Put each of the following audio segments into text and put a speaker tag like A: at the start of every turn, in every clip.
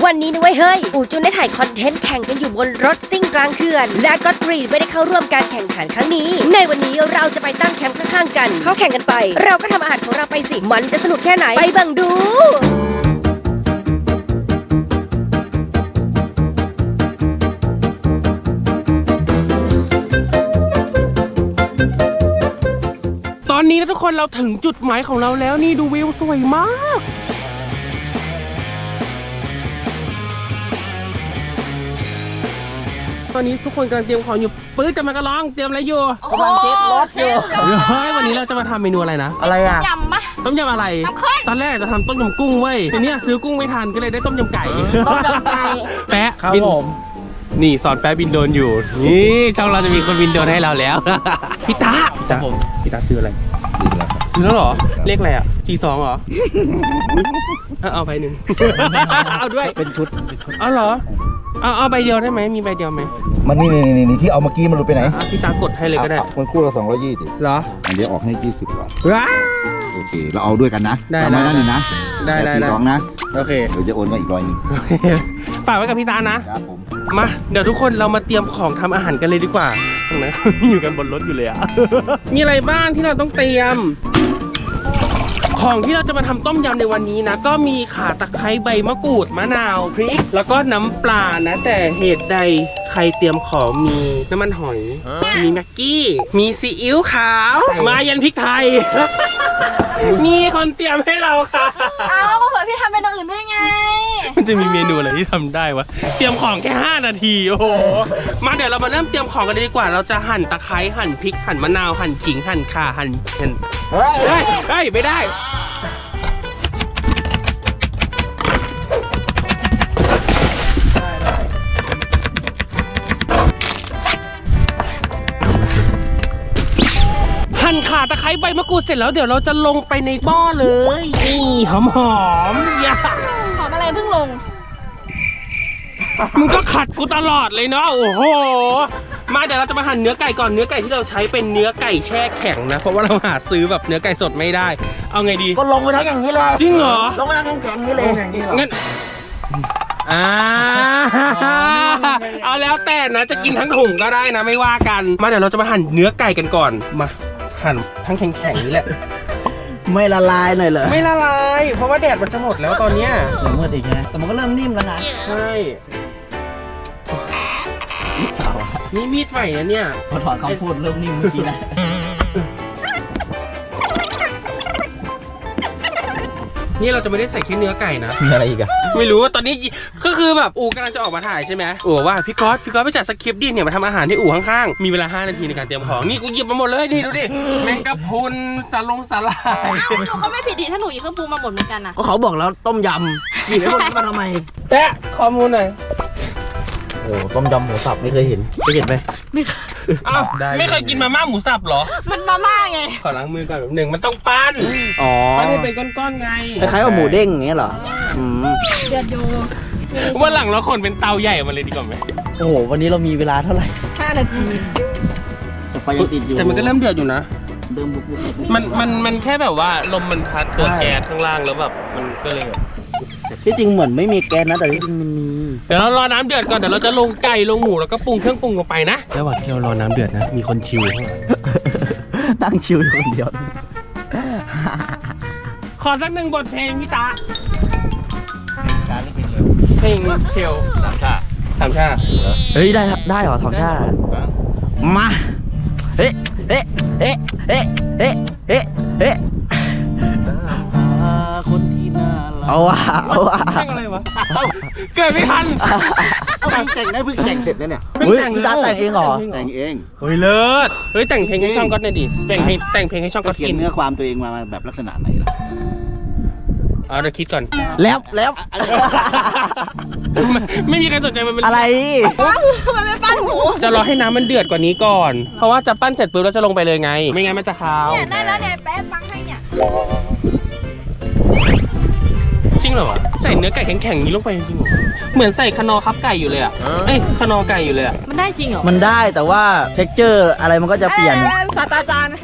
A: วันนี้นะเว้ยเฮ้ยอูจุนได้ถ่ายคอนเทนต์แข่งกันอยู่บนรถซิ่งกลางเขื่อนและก็ตรีไม่ได้เข้าร่วมการแข่งขันครั้งนี้ในวันนี้เราจะไปตั้งแคมป์ข้างๆกันเขาแข่งกันไปเราก็ทำอาหารของเราไปสิมันจะสนุกแค่ไหนไปบังดู
B: ตอนนี้นะทุกคนเราถึงจุดหมายของเราแล้วนี่ดูวิวสวยมากตอนนี้ทุกคนกำลังเตรียมของอยู่ปื๊ดจะมากระลองเตรียมอะไรอยู่
C: กำลังเทสรถอยู่
B: เฮ้ยวันนี้เราจะมาทำเมนูอะไรนะ
C: อะไรอ่ะ
D: ยำปะ
B: ต้มยำอะไร
D: น้ำข้น
B: ตอนแรกจะทำต้มยำกุ้งเว้ยทีนี้ซื้อกุ้งไม่ทันก็เลยได้ต้มยำไก่
C: ต้มยำไก่
B: แปะ
C: ครับ
B: บิน
C: ผม
B: นี่สอนแปะบินโดรนอยู่นี่ช่องเราจะมีคนบินโดรนให้เราแล้ว พี่ตาพี่ตาซื้ออะไรซื้อแล้วเหรอเลขอะไรอ่ะ42เหรอ เอาไปหนึ่ง เอาด้วย
C: เป็นชุด
B: เอาเหรอเอาใบเดียวได้ไหมมีใบเดียวไหม
E: มันนี่ที่เอาเมื่อกี้มันหลุดไปไหน
B: พี่ตากดให้เลยก็ได้
E: มันคู่ละ220
B: เหรอ
E: อันเดียวออกให้20ก่อน
B: ว้า
E: โอเคเราเอาด้วยกันนะ
B: ได้
E: จำไว้นั่นเลยนะ
B: ได้
E: 42นะ
B: โอเค
E: เดี๋ยวจะโอนมาอีก100นึง
B: ฝากไว้กับพี่ตานะครับ
E: ผม
B: มาเดี๋ยวทุกคนเรามาเตรียมของทำอาหารกันเลยดีกว่าตรงนั้น อยู่กันบนรถอยู่เลยอะ มีอะไรบ้างที่เราต้องเตรียม ของที่เราจะมาทำต้มยำในวันนี้นะก็มีข่าตะไคร้ใบมะกรูดมะนาวพริก แล้วก็น้ำปลานะแต่เหตุใดใครเตรียมของมีน้ำมันหอย มีแม็กกี้มีซีอิ๊วขาว มายันพริกไทย มีคนเตรียมให้เราค่ะ
D: เอาเผื่อพี่ทำเป็นอื่นด้วยไง
B: มันจะมีเมนูอะไรที่ทำได้วะเตรียมของแค่5 นาทีโอ้โหมาเดี๋ยวเรามาเริ่มเตรียมของกันเลยดีกว่าเราจะหั่นตะไคร้หั่นพริกหั่นมะนาวหั่นขิงหั่นข่าหั่นเฮ้ยไม่ได้หั่นข่าตะไคร้ใบมะกรูดเสร็จแล้วเดี๋ยวเราจะลงไปในหม้อเลยนี่หอมๆอย่า
D: หอมอะไรเพิ่งลง
B: มึงก็ขัดกูตลอดเลยเนาะโอ้โหมาเดี๋ยวเราจะมาหั่นเนื้อไก่ก่อนเนื้อไก่ที่เราใช้เป็นเนื้อไก่แช่แข็งนะเพราะว่าเราหาซื้อแบบเนื้อไก่สดไม่ได้เอาไงดี
C: ก็ลงไปทั้งอย่างนี้เลย
B: จริงเหรอ
C: ลงไปทั้งแข็งๆนี้เลย
B: งั้นเอาแล้วแต่นะจะกินทั้งถุงก็ได้นะไม่ว่ากันมาเดี๋ยวเราจะมาหั่นเนื้อไก่กันก่อนมาหั่นทั้งแข็งๆนี่แหละ
C: ไม่ละลายหน่อยเหรอ
B: ไม่ละลายเพราะว่าแดดมันจะหมดแล้วตอนเนี้ย
C: เดี๋ยวมืดอีกไงแต่มันก็เริ่มนิ่มแล้วนะ
B: ใช่นี่มีดใหม่นะเนี่ย
C: พอถอนคำพูดเริ่มนิ่มเมื่อกี้นะ
B: นี่เราจะไม่ได้ใส่แค่เนื้อไก่นะ
C: มีอะไรอีกอะ
B: ไม่รู้ว่าตอนนี้ก็คือแบบอู๋กำลังจะออกมาถ่ายใช่ไหมอู๋ว่าพี่ก๊อตไปจัดสคริปต์ดิเนี่ยมาทำอาหารที่อู่ข้างๆมีเวลา5 นาทีในการเตรียมของนี่กูหยิบมาหมดเลยนี่ดูดิแมงกะพรุนสาหร่าย
D: เอ้าหนูก็ไม่ผิดดีถ้าหนูหยิบเครื่องปรุงมาหมดเหมือนกันนะ
C: ก็เขาบอกแล้วต้มยำหยิบไอ้พวกนี้มาทำไม
B: แปะข้อมูลหน่อย
C: โอ้ต้มยำหมูสับไม่เคยเห็นเห็นไหม
B: อ้าวไม่เคยกินมาม่าหมูสับเหรอ
D: มันมาม่าไง
B: ขอล้างมือก่อนแบบหนึ่งมันต้องปั้น
C: อ๋อ
B: ปั้นให้เป็นก้อนๆไง
C: คล้ายๆกับหมูเด้งอย่างเงี้ยเหรออืม
D: เดือดอยู่
B: วันหลังเราคนเป็นเตาใหญ่มาเลยดีกว่าไหม
C: โอ้โหวันนี้เรามีเวลาเท่าไหร่
D: 5 นาที
C: แต่ไฟยังติดอยู่
B: แต่มันก็เริ่มเดือดอยู่นะ
C: เริ่มบุก
B: มันแค่แบบว่าลมมันพัดตัวแก๊สข้างล่างแล้วแบบมันก็เลยแบบ
C: ที่จริงเหมือนไม่มีแก๊สนะแต่ที่จริงมันมี
B: เดี๋ยวเรารอน้ำเดือดก่อนเดี๋ยวเราจะลงไก่ลงหมูแล้วก็ปรุงเครื่องปรุงลงไปนะระหว่างที่เรารอน้ำเดือดนะมีคนชิว
C: ตั้งชิวอยู่คนเดียว
B: ขอสักหนึ่งบทเพลงพี่ตา
E: การไม่กินเร็ว
B: เพลงเชล
E: 3 ชา
B: 3 ชา
C: เฮ้ยได้เหรอทองชาติมาเฮ้เฮ้เฮ้เฮ้เฮ้เฮ้เฮ้คนที่น่ารักเอาว่ะ
B: เพลงอะไรวะเกิดไม่ทัน
E: เอาเพิ่งแต่งได้เพิ่งแต่งเสร็จแล้วเนี่ย
B: เพิ่ง
C: เฮ้ย
B: แต่ง
C: พี่ตาแต่งเองเหรอ
E: แต่งเอง
B: เฮ้ยเลิศเฮ้ยแต่งเพลงให้ช่องก๊อตหน่อยดิแต่งเพลงให้ช่องก๊อต
E: เขีย
B: กิ
E: น
B: น
E: เนื้อความตัวเองมาแบบลักษณะไหนล่ะ
B: เอาเดี๋ยวคิดก่อน
C: แล้ว
B: ไม่มีใครสนใจมันเป็น
C: อะไร
D: ทำไมไม่ปั้นหมู
B: จะรอให้น้ำมันเดือดกว่านี้ก่อน เพราะว่าจะปั้นเสร็จปุ๊บเราจะลงไปเลยไง ไม่งั้นมันจะคาว
D: เนี่ยได้แล้วเนี่ยแป๊บฟังให้เนี่ย
B: จริงเหรอวะใส่เนื้อไก่แข็งๆอย่างนี้ลงไปจริงเหรอเหมือนใส่คนอคับไก่อยู่เลยอ่ะเอ้ยคนอไก่อยู่เลยอ่ะ
D: มันได้จริงเหรอ
C: มันได้แต่ว่าเท็กเจอร์อะไรมันก็จะเปลี่ยน
D: ศาสตราจารย์
B: ไม่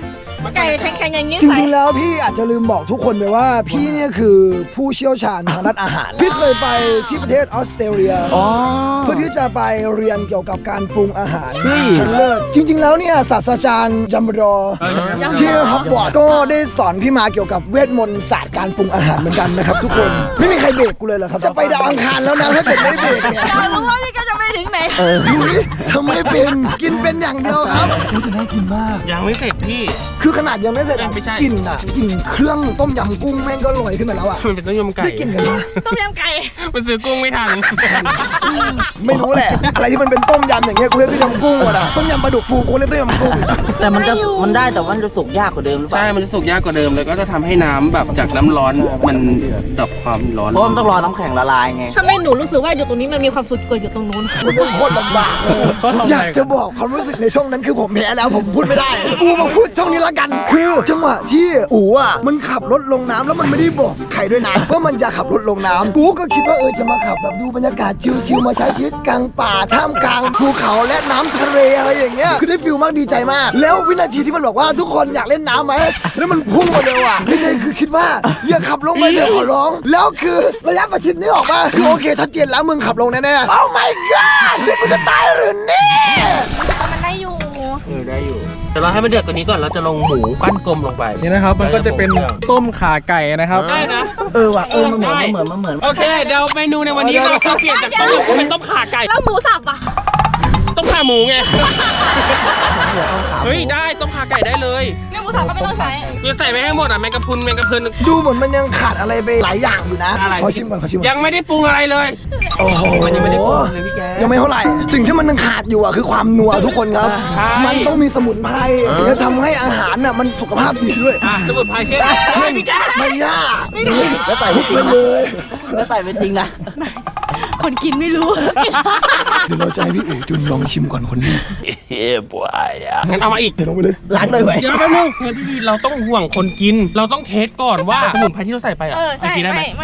D: ไก่แข็งๆอย่างนี้
F: จริงๆแล้วพี่อาจจะลืมบอกทุกคนไปว่าพี่เนี่ยคือผู้เชี่ยวชาญทางด้านอาหาร พี่เคยไปที่ประเทศออสเตรเลีย
C: อ๋อ
F: เพื่อที่จะไปเรียนเกี่ยวกับการปรุงอาหาร
C: เฮ้ย
F: ชั้นเลิศจริง ๆ แล้วเนี่ยศาสตราจารย์ยัมบรอที่ฮอกวอตส์ก็ได้สอนพี่มาเกี่ยวกับเวทมนต์ศาสตร์การปรุงอาหารเหมือนกันนะครับทุกคนไม่มีใครเบรกกูเลยเหรอครับจะไปดาวอังคารแล้วนะถ้าเกิดไม่เบรกเนี่ย
D: เรารู้ว่านี่ก็จะไปถึงไหน
F: จุ๊ยทำไม่เป็นกินเป็นอย่างเดียวครับอู้จะน่ากินมาก
B: ยังไม่เสร็จพี่
F: คือขนาดยังไม่เสร็จอะ
B: ไม่ใช่
F: กลิ่นอะกลิ่นเครื่องต้มยำกุ้งแม่งก็ลอยขึ้นมาแล้วอะ
B: มันเป็นต้มยำไก่
F: ได้กลิ่นกันปะ
D: ต้มยำไก่
B: มันซื้อกุ้งไม่ทัน
F: ไม่รู้แหละ อะไรที่มันเป็นต้มยำอย่างเงี้ยกูเรียกต้มยำกุ้งหมดอะต้มยำปลาดุกฟูกูเรียกต้มยำกุ้ง
C: แต่มันได้แต่ว่ามันจะสุกยากกว่าเดิมหรือเปล่า
B: ใช่ มันจะสุกยากกว่าเดิมเลยก็จะทำให้น้ำแบบจากน้ำร้อนมันดับความร้อน
C: เพราะมันต้องรอน้ำแข็งละลายไง
D: ทำไมหนูรู้สึกว่าอยู่ตรงนี้มันมีความสุขกว่าอยู่ตรงนู้น
F: มันเป็นโคตรลำบากเลยอยากจะบอกความรู้สึกในช่วงนั้นคือผมแพ้แล้วผมพูดไม่ได้กูมาพูดช่วงนี้ละกันคือจังหวะที่อู๋อะมันขับรถลงน้ำแล้วมันไม่ได้บอกใครด้วยนะว่ามันจะขับรถลงน้ำกูก็คิดว่าจะมาขับแบบดูบรรยากาศชิลๆมาใช้ชีวิตกลางป่าท่ามกลางภูเขาและน้ำทะเลอะไรอย่างเงี้ยคือได้ฟิลมากดีใจมาก แล้ววินาทีที่มันบอกว่าทุกคนอยากเล่นน้ำไหมแล้วมันพุ่งมาเร็วอ่ะไม่ใช่คือคิดว่าอย่าขับลงไปเถอะขอร้อง แล้วคือระยะประชิดนี่ออกมาคือโอเคชัดเจนแล้วมึงขับลงแน่ๆ Oh my god นี่กูจะตายหรือเนี่ย
D: มันได้อยู่
B: ได้อยู่แต่เราให้มันเดือดกว่านี้ก่อนเราจะลงหมูปั้นกลมลงไป
G: นี่นะครับมันก็จะเป็นต้มขาไก่นะครับ
B: ได้นะ
C: ว่ะมันเหมือน
B: โอเคเดี๋ยวเมนูในวันนี้เราจะเปลี่ยนจากต้มยำเป็นต้มข่าไก่
D: แล้วหมูสับอ่ะ
B: ต้มข่าหมูไงเฮ้ยได้ต้มข่าไก่ได้เลย
D: เนี่ยหมูสับก็ไม่ต้องใช้
B: คือใส่ไปให้หมดอ่ะแมงกะพรุนแมงกะพรุน
F: ดูเหมือนมันยังขาดอะไรไปหลายอย่างอยู่นะ
B: อะไร
F: ขอชิมก่อนขอชิมก่อน
B: ยังไม่ได้ปรุงอะไรเลย
F: โอ้โห
B: มันยังไม่ได้ปรุงเลยพี่แก
F: ยังไม่เท่าไหร่ สิ่งที่มันยังขาดอยู่อ่ะคือความนัวทุกคนครับ
B: ใช่
F: มันต้องมีสมุนไพรจะทำให้อาหารน่ะมันสุขภาพดีด้วย
B: อ่ะสมุนไพรเช่นใช่พี่แก
F: ไม่ยาก
C: แล้วใส่
F: ทุกไปเลย
C: แล้วใส่เป็นจริงนะ
D: คนกินไม่รู้
F: เดี๋ยวเราจะให้พี่เอ๋จุนลองชิมก่อนคนนี้
B: งั้นเอามาอีก
F: เดี๋ยวลงไปเลย
C: ล้างเลยไหม
B: เดี๋ยวแป๊บนึงเฮ้ยพี่เราต้องห่วงคนกิน เราต้องเทสก่อนว่าสมุนไพรที่เราใส่ไปอ่ะ
D: ใช่
B: มันกินได้ไหม
D: ไม่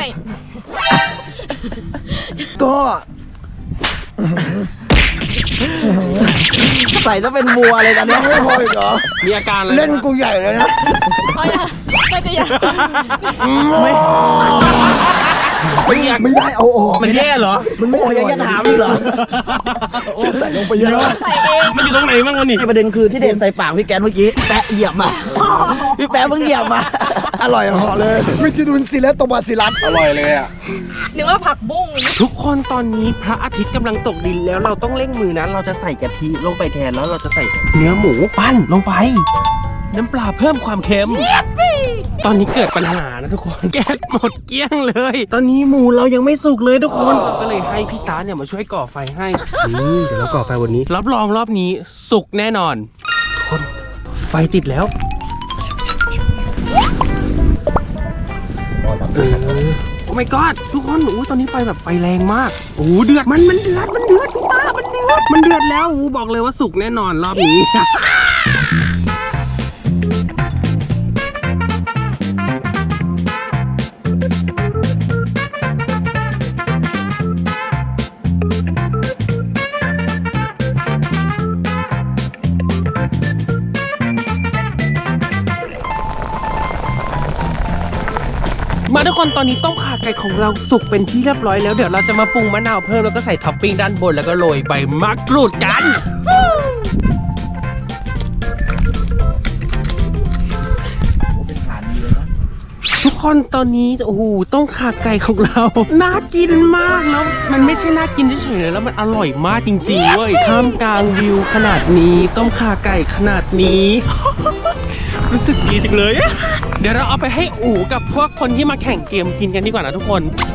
F: ก็
C: ใส่ต้องเป็นวัวเลยตอน
F: ยั
C: เนี้
F: ง
C: ย
F: ไม่พออีกเหรอ
B: มีอาการอะไร
F: เล่นกูใหญ่เลยนะ
D: เอาอย่าไม่จะอย่า
F: ไม่ได้เอาออก
B: มันแย่เหรอ
F: มันไม่
C: โอ้ยังจะถามอีกเหรอ
F: จะใส่ลงไปเยอะ
D: ใส่เอง
B: มันอยู่ตรงไหนบ้างวะนี่
C: ที่ประเด็นคือที่เด่นใส่ปากพี่แกนเมื่อกี้แปะเหยียบมาพี่แปะเพิ่งเหยียบมา
F: อร่อยเหาะเลยไม่จะดูนซีและตบาซิลัส
B: อร่อยเลยอ่ะ
D: นึกว่าผักบุ้ง
B: ทุกคนตอนนี้พระอาทิตย์กำลังตกดินแล้วเราต้องเร่งมือนะเราจะใส่กะทิลงไปแทนแล้วเราจะใส่เนื้อหมูปั้นลงไป น้ำปลาเพิ่มความเค็ม ตอนนี้เกิดปัญหานะทุกคนแก๊สหมดเกลี้ยงเลย ตอนนี้หมูเรายังไม่สุกเลยทุกคนเราก็เลยให้พี่ตาเนี่ยมาช่วยก่อไฟให้นี่เดี๋ยวเราก่อไฟวันนี้รับรองรอบนี้สุกแน่นอนทุกคนไฟติดแล้วโอ้ my god ทุกคนตอนนี้ไฟแบบไฟแรงมากเดือดมันเดือดพี่ตามันเดือดแล้วบอกเลยว่าสุกแน่นอนรอบนี้ มาทุกคนตอนนี้ต้มข่าไก่ของเราสุกเป็นที่เรียบร้อยแล้วเดี๋ยวเราจะมาปรุงมะนาวเพิ่มแล้วก็ใส่ท็อปปิ้งด้านบนแล้วก็โรยใบมะกรูดกันทุกคนตอนนี้ต้มข่าไก่ของเราน่ากินมากแล้วมันไม่ใช่น่ากินเฉยๆเลยแล้วมันอร่อยมากจริงๆเว้ยท่ามกลางวิวขนาดนี้ต้มข่าไก่ขนาดนี้ รู้สึกดีจังเลยเดี๋ยวเราเอาไปให้อู๋กับพวกคนที่มาแข่งเกมกินกันดีกว่านะทุกคน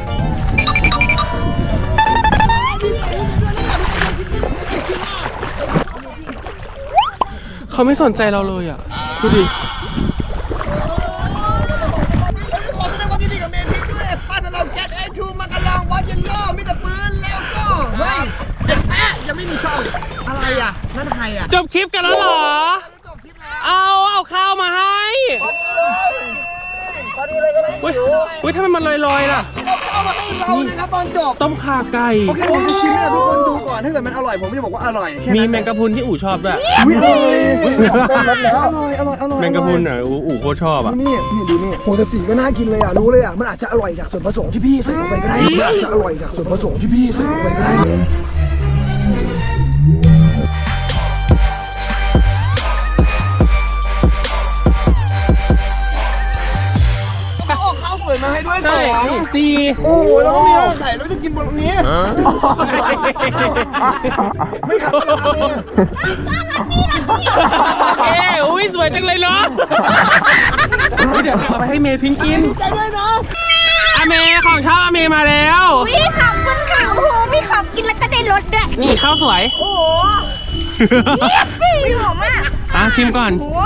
B: เขาไม่สนใจเราเลยอ่ะดูดิ
F: ขอแสดงความยินดีกับเมพิกด้วยป้าจะลองแคทไอทูมากระลองวัดยันโล่มีแต่ปืนแล้วก็เฮ้ยยังไม่มีช่องอะไรอ่ะนั่นใครอ่ะ
B: จบคลิปกันแล้วเหรอ เอาข้าวมาให้อุ้ยทำไมมันลอยๆล่ะ
F: เข้าเอามาให้เรานะครับตอนจบ
B: ต้มข่าไก่
F: โอเคผมจะชิมให้ทุกคนดูก่อนถ้าเกิดมันอร่อยผมจะบอกว่าอร่อย
B: มีแมงกะพรุนที่อู๋ชอบด้วย
F: วิอร่อย
B: แมงกะพรุนอ่ะอู๋โคตรชอบอ่ะ
F: นี่ดูนี่โหแต่สีก็น่ากินเลยอ่ะรู้เลยอ่ะมันอาจจะอร่อยจากส่วนผสมที่พี่ใส่ลงไปก็ได้มันอาจจะอร่อยจากส่วนผสมที่พี่ใส่ลงไปก็ได้ข้าวสวยมาให้ด้วย
B: ใช่
F: 2
B: ซี
F: โอ้โหแล้วก็มีไข่แล้วจะกินบนตรงนี้ไม่ขับ
B: อุ้ยสวยจังเลยเนาะเดี๋ยวเอาไปให้เมย์พิงกิน
F: ใจด้วยนะ
B: อาเมย์ของชอบอาเมย์มาแล้ว
A: พี่ขับคุณขับโอ้โหพี่ขับกินแล้วก็ได้รสด้วย
B: นี่ข้าวสวย
A: โอ้โหพี่หอมมาก
B: ชิมก่อน
A: โอ้โห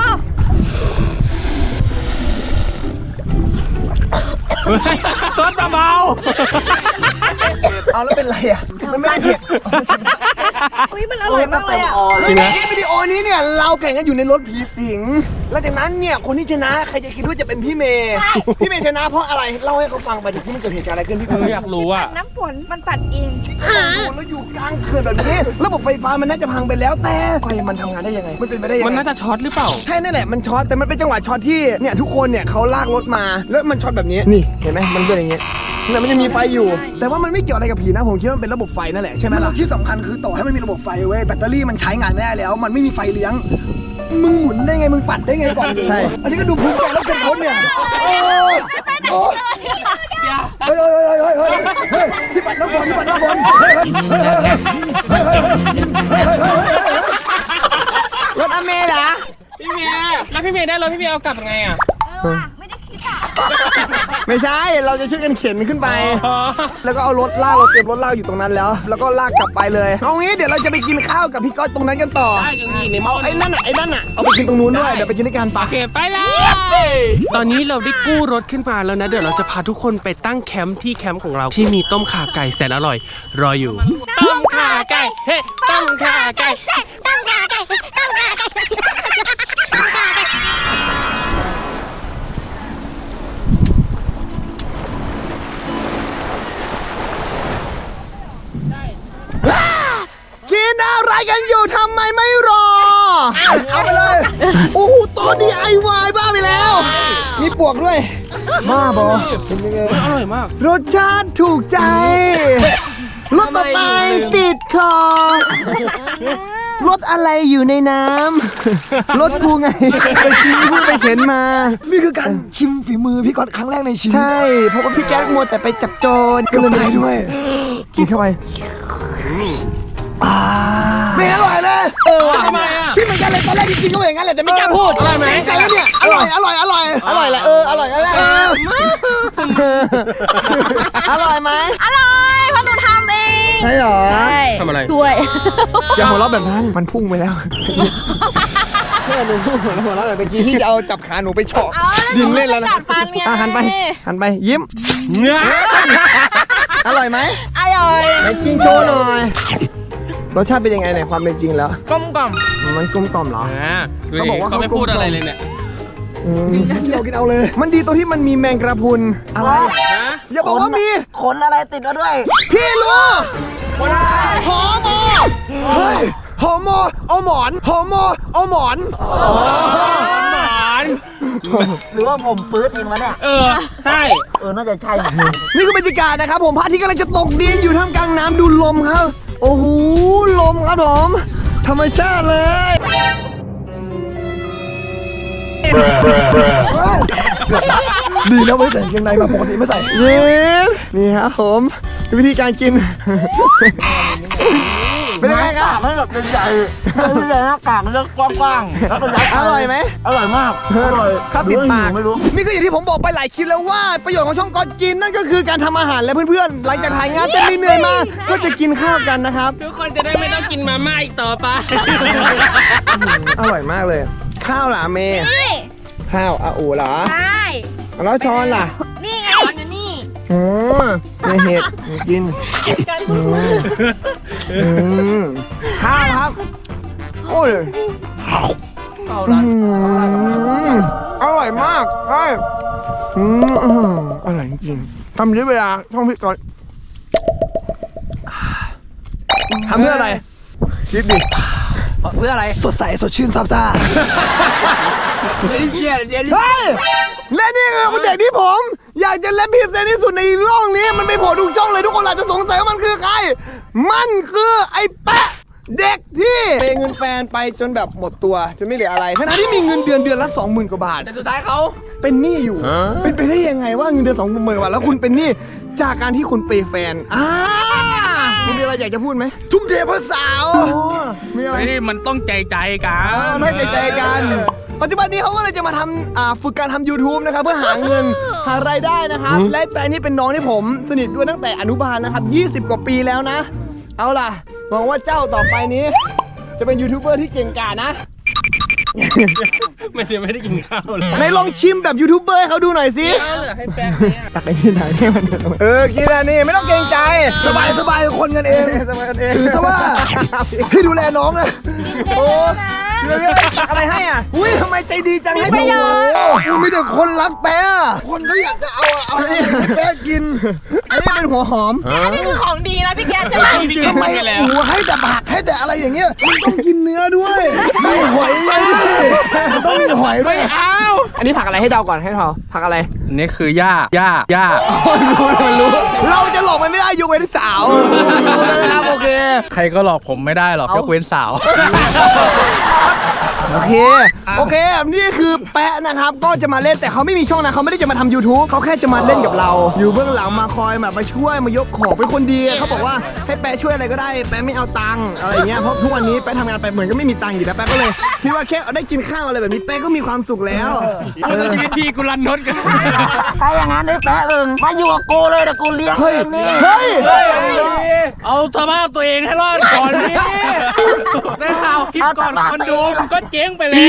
B: ซดเบา
F: เอาแล้วเป็นไรอ่ะมันไม่ได้เผ็ด
A: อุ๊ยมันอร่อยมากเลยอ่ะ
B: จริงนะ
F: ในวิดีโอนี้เนี่ยเราแข่งกันอยู่ในรถผีสิงแล้วจากนั้นเนี่ยคนที่ชนะใครจะคิดว่าจะเป็นพี่เมย์พี่เมย์ชนะเพราะอะไรเล่าให้เขาฟังไปดิที่มันเกิดเหตุการณ์อะไรขึ้นพี่
B: อยากรู้อ่ะ
A: น้ำฝนมันปัดเอง
F: แล้วอยู่กลางเขื่อนแบบนี้ระบบไฟฟ้ามันน่าจะพังไปแล้วแต่ไฟมันทำงานได้ยังไงมันเป็นไปได้ยังไง
B: มันน่าจะช็อตหรือเปล่า
F: ใช่นั่นแหละมันช็อตแต่มันเป็นจังหวะช็อตที่เนี่ยทุกคนเนี่ยเขาลากรถมาแล้วมันช็อตแบบนี้นี่เห็นไหมมันเป็นอย่างเงี้ยเนี่ยมันจะมีไฟอยู่ แต่ว่ามันไม่เกี่ยวอะไรกับผีนะผมคิดว่ามันเป็นระบบไฟนั่นแหละใช่ไหมล่ะที่สำคัญคือต่อให้มันมีระบบไฟเว้ยแบตเตอรี่มันใช้งานไม่ได้แล้ว มันไม่มีไฟเลี้ยงมึงหมุนได้ไงมึงปัดได้ไงก่อนใช่อันนี้ก็ดูภูมิใจแล้วกันคนเนี่ยเฮ้ยที่ปัดน้ำฝนที่ปัดน้ำฝนรถอเมย์เหรอ
B: พี่เมย์แล้วพี่เมย์ได้รถพี่เมย์เอากลับยังไงอ่ะ
F: ไม่ใช่ เราจะช่วยกันเข็นขึ้นไป แล้วก็เอารถลากเราเก็บรถลากอยู่ตรงนั้นแล้ว แล้วก็ลากกลับไปเลย เอางี้เดี๋ยวเราจะไปกินข้าวกับพี่ก๊อตตรงนั้นกันต่อ
B: ได้จังนี่ในหม้อ
F: ไอ้นั่นน่ะ เอาไปกินตรงนู้นด้วย เดี๋ยวไปกินด้วยกันปะ
B: โอเคไปเลยตอนนี้เราได้กู้รถขึ้นมาแล้วนะเดี๋ยวเราจะพาทุกคนไปตั้งแคมป์ที่แคมป์ของเราที่มีต้มข่าไก่แสนอร่อยรออยู่ต้มข่าไก่เฮ้ต้มข่าไก่
F: กินอะไรกันอยู่ทำไมไม่รอ เอาไปเลย โอ้โหตัว DIY บ้าไปแล้ว มีปวกด้วย บ้าบอเป็นยังไง
B: อร่อยมาก
F: รสชาติถูกใจ รสต่อไปติดคอ รถอะไรอยู่ในน้ำ รถกูไงไปกินพูดไปเข็นมา นี่คือการชิมฝีมือพี่ก๊อตครั้งแรกในชีวิต ใช่ เพราะว่าพี่แก๊กมัวแต่ไปจับโจรก็เลยได้ด้วย กินเข้าไปไม่อร่อยเลยว่ะ
B: ทำไมอ่ะ
F: พี่เหมือนกันเลยตอนแรกที่กินก็อย่างนั้นแหละแต่ไม่กล้าพูด
B: อร่อยไหม
F: ใจแล้วเนี่ยอร่อยแหละอร่อยแหละอร่อยแล้วแหละอร่อยไหม
A: อร่อยเพราะหนูทำเอง
F: ใช่หรอ
B: ทำอะไร
A: ด้วย
F: อย่าหัวเราะแบบนั้นมันพุ่งไปแล้วแค่หนูพุ่งหัวเราะแบบเมื่อกี้ที่จะเอาจับขาหนูไปเฉาะดินเล่นแล้วนะ
A: กัดฟันไง
F: หันไปยิ้ม
B: เนื้อ
F: อร่อยไหม
A: อร่อย
F: ไหนกินโชว์หน่อยรสชาติเป็นยังไงในความเป็นจริงแล้ว
D: กลมกล่อม
F: มันกลมกล่อมเหรอ เขาบอกว่า
B: เขาไม่พูดอะไรเลยเนี่ย
F: กินเอาเลย มันดีตรงที่มันมีแมงกระพรุนอะไร
B: ฮะ
F: อย่าบอกว่ามี
C: ขนอะไรติดมาด้วย
F: พี่รู้หอมอเฮ้ยหอมอเอาหมอนหอมอเอาหมอน
B: หวาน
C: หรือว่าผมปื๊ดเองวะเนี่ย
B: ใช่
C: น่าจะใช่
F: นี่คือบรรยากาศนะครับผมพระอาทิตย์กำลังจะตกดินอยู่ท่ามกลางน้ำดูลมครับ โอ้โหลมครับผมธรรมชาติเลยดีนะไม่ใส่กางเกงในมาปกติไม่ใส่นี่ครับผมวิธีการกินเป็นยังไงครับ
C: มันแบบเป็นใหญ่เป็นใหญ่หน้ากากมันจะกว้างๆแล้วก็ยัด
F: อร่อยไหม
C: อร่อยมากอร่อย
F: ครับติดปาก
C: ไม่รู้
F: นี่ก็อย่างที่ผมบอกไปหลายคลิปแล้วว่าประโยชน์ของช่องก่อนกินนั่นก็คือการทำอาหารและเพื่อนๆหลังจากถ่ายงานเต้นเหนื่อยมาก็จะกินข้าวกันนะครับ
B: ทุกคนจะได้ไม่ต้องกินมาม่าอีกต่อไป
F: อร่อยมากเลย ข้าวล่ะเมย์ข้าวอาอูเหรอ
A: ใช่
F: แล้วช้อนล่ะ
A: นี่ไง
D: ตอนอยู่นี่
F: อ๋อในเห็ดกินข้าวครับ โอ้ยอร่อยมากใช่อร่อยจริงทำด้วยเวลาท่องพิก่อนทำเพื่ออะไรคิดดิ
C: เพื่ออะไร
F: สดใสสดชื่นซาบซ่าเฮ้ยและนี่คือเด็กที่ผมอยากจะเล่นพิเศษที่สุดในโลกนี้มันไม่โผล่ทุกช่องเลยทุกคนอาจจะสงสัยว่ามันคือใครมันคือไอ้แปะเด็กที่เปย์เงินแฟนไปจนแบบหมดตัวจนไม่เหลืออะไรทั้งที่มีเงินเดือนละ 20,000 กว่าบาทแต่สุดท้ายเขาเป็นหนี้อยู่เป็นไปได้ยังไงว่าเงินเดือน 20,000 กว่าบาทแล้วคุณเป็นหนี้จากการที่คุณเปย์แฟนคุณมีอะไรอยากจะพูดไหมทุ่มเทเพื่อสาวมีอะไร
G: ไม่ได้มันต้องใจกัน
F: ไม่ใจกัน ปัจจุบันนี้เขาก็เลยจะมาทำฝึกการทำ YouTube นะครับเพื่อหาเงินหารายได้นะครับและแต่นี่เป็นน้องที่ผมสนิทด้วยตั้งแต่อนุบาลนะครับ20 กว่าปีแล้วนะ เอาล่ะหวังว่าเจ้าต่อไปนี้ จะเป็นยูทูบเบอร์ที่เก่งกาจนะ
B: ไม่ได้กินข้าวเลย
F: ไหนลองชิมแบบยูทูบเบอร์ให้เขาดูหน่อยสิ
B: ให้แป้งเนี่ย
F: ตักไปที่ไหนให้มันกินอันนี้ไม่ต้องเกรงใจสบายคนกันเองสบายกันเองถือซะว่าให้ดูแลน้องนะโอ้เดี๋ยวตักอะไรให้อ่ะอุ้ยทำไมใจดีจังให้ประโยชน์มีแต่คนรักแป๊ะคนก็อยากจะเอาให้แป๊ะกินอันนี้เป็นหัวหอม
D: อันนี้คือของดีนะพี่แกใช่ไหม
F: ทำไมหัวให้แต่ผักให้แต่อะไรอย่างเงี้ยมันต้องกินเนื้อด้วยมีหอยด้วยมันต้องมีหอยด้วย
C: อันนี้ผักอะไรให้เดาก่อนให้เดาผักอะไร
G: นี่คือย่า
F: เราจะหลอกมันไม่ได้ยกเว้นสาวนะครับโอเค
G: ใครก็หลอกผมไม่ได้หรอกยกเว้นสาว
F: โอเคนี่คือแปะนะครับก็จะมาเล่นแต่เขาไม่มีช่องนะเขาไม่ได้จะมาทำ YouTube เขาแค่จะมาเล่นกับเรา อยู่เบื้องหลังมาคอยแบบมาช่วยมายกของเป็นคนดีเขาบอกว่าให้แปะช่วยอะไรก็ได้แปะไม่เอาตังค์อะไรเงี้ยเพราะทุกวันนี้แปะทำงานไปเหมือนก็ไม่มีตังค์อยู่แล้วแปะก็เลยคิดว่าแค่ได้กินข้าวอะไรแบบนี้แปะก็มีความสุขแล้ว
G: ชีวิตพี่กูรันนดกัน
C: ถ้าอย่างนั้นได้แปะมึงมาอยู่กับกูเลยแต่กูเลี้ยง
F: เฮ้ย
C: เองนี่
F: เฮ้ย
G: เอาสภาพตัวเองให้รอดก่อนนี่ได้ข่าวคลิปก่อนคนดูมันก็เจ๊งไปแล้ว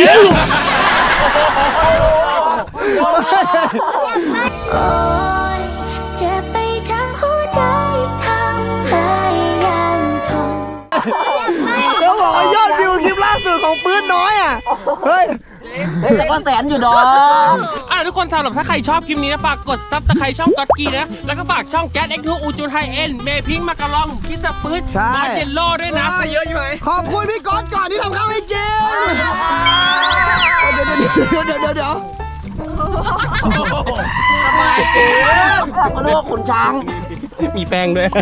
H: จะไปทั้งหัวใจทำให้ยังทน
F: เขาบอกว่ายอดวิวคลิปล่าสุดของปื้นน้อยอ่ะเฮ้ย
C: แต่ก็แสนอยู่ดอก
B: ทุกคนสำหรับถ้าใครชอบคลิปนี้นะฝากกดซับสไครต์ช่องก๊อตกี้นะแล้วก็ฝากช่องแก๊ส X2 อูจูนไฮเอ็นเมพิงมากะลองคิสปื๊ดบอลเยลโล่ด้วยนะ
F: เยอะใช่ไหมขอบคุณพี่ก๊อตก่อนที่ทำข้าวให้กินเดี๋ยว
B: สบายเกิน
C: มาดูขุนช้าง
B: มีแป้งด้วย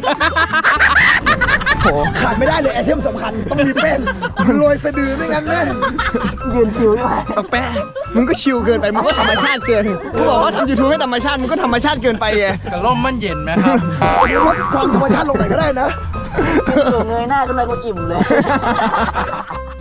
F: ขาดไม่ได้เลยไอเทมสำคัญต้องมีแป้งโรยสะดือไม่งั้นแม่ง
C: ยืนชิวด้วย
F: แป้งมึงก็ชิลเกินไปมึงก็ธรรมชาติเกินกูบอกว่าทำยูทูบไม่ธรรมชาติมึงก็ธรรมชาติเกินไปไง
G: กระล่มมันเย็นไหมครับ
F: ลดความธรรมชาติลงไหนก็ได้นะ
C: อยู่เงยหน้าขึ้นมากูอิ่มเลย